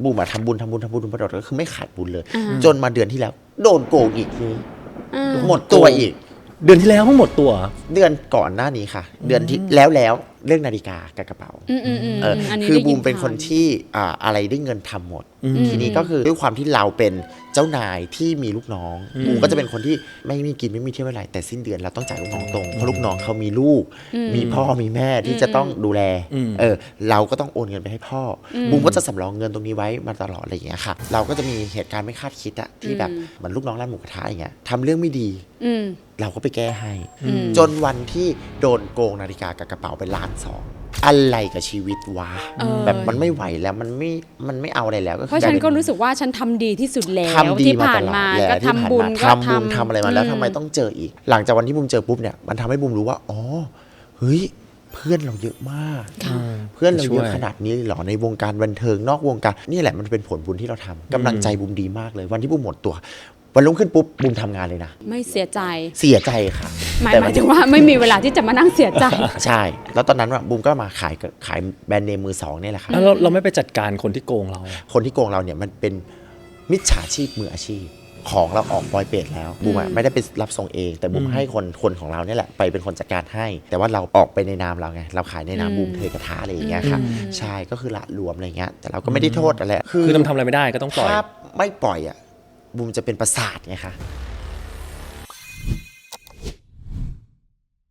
บูมทำบุญมาตลอดก็คือไม่ขาดบุญเลยจนมาเดือนที่แล้วโดนโกงอีกทีหมดตัวอีกเดือนที่แล้วทั้งหมดตัวเดือนก่อนหน้านี้ค่ะเดือนที่แล้วเรื่องนาฬิกากับกระเป๋าคือบูมเป็นคนที่อะไรได้เงินทำหมดทีนี้ก็คือด้วยความที่เราเป็นเจ้านายที่มีลูกน้องบูมก็จะเป็นคนที่ไม่มีกินไม่มีเที่ยวอะไรแต่สิ้นเดือนเราต้องจ่ายลูกน้องตรงเพราะลูกน้องเขามีลูกมีพ่อมีแม่ที่จะต้องดูแลเราก็ต้องโอนเงินไปให้พ่อบูมก็จะสำรองเงินตรงนี้ไว้มาตลอดอะไรอย่างเงี้ยค่ะเราก็จะมีเหตุการณ์ไม่คาดคิดอะที่แบบเหมือนลูกน้องร้านหมูกระทะอย่างเงี้ยทำเรื่องไม่ดีเราก็ไปแก้ให้จนวันที่โดนโกงนาฬิกากับกระเป๋าไป1.2 ล้านอะไรกับชีวิตวะแบบมันไม่ไหวแล้วมันไม่เอาอะไรแล้วก็เพราะฉันก็รู้สึกว่าฉันทำดีที่สุดแล้วที่ผ่านมาก็ทำบุญทำอะไรมาแล้วทำไมต้องเจออีกหลังจากวันที่บูมเจอปุ๊บเนี่ยมันทำให้บูมรู้ว่าอ๋อเฮ้ยเพื่อนเราเยอะมากเพื่อนเราเยอะขนาดนี้หรอในวงการบันเทิงนอกวงการนี่แหละมันเป็นผลบุญที่เราทำกำลังใจบูมดีมากเลยวันที่บูมหมดตัววันรุ่งขึ้นปุ๊บบูมทำงานเลยนะไม่เสียใจค่ะหมายถึงว่าไม่มีเวลาที่จะมานั่งเสียใจใช่แล้วตอนนั้นบูมก็มาขายแบรนด์เนมมือสองนี่แหละครับแล้วเราไม่ไปจัดการคนที่โกงเราคนที่โกงเราเนี่ยมันเป็นมิจฉาชีพมืออาชีพของเราออกปล่อยเปรตแล้วบูมไม่ได้ไปรับส่งเองแต่บูมให้คนของเราเนี่ยแหละไปเป็นคนจัดการให้แต่ว่าเราออกไปในนามเราไงเราขายในนามบูมเทกระทะอะไรอย่างเงี้ยค่ะใช่ก็คือละรวมอะไรเงี้ยแต่เราก็ไม่ได้โทษอะไรคือทำอะไรไม่ได้ก็ต้องปล่อยถ้าไม่ปล่อยบูมจะเป็นประสาทไงคะ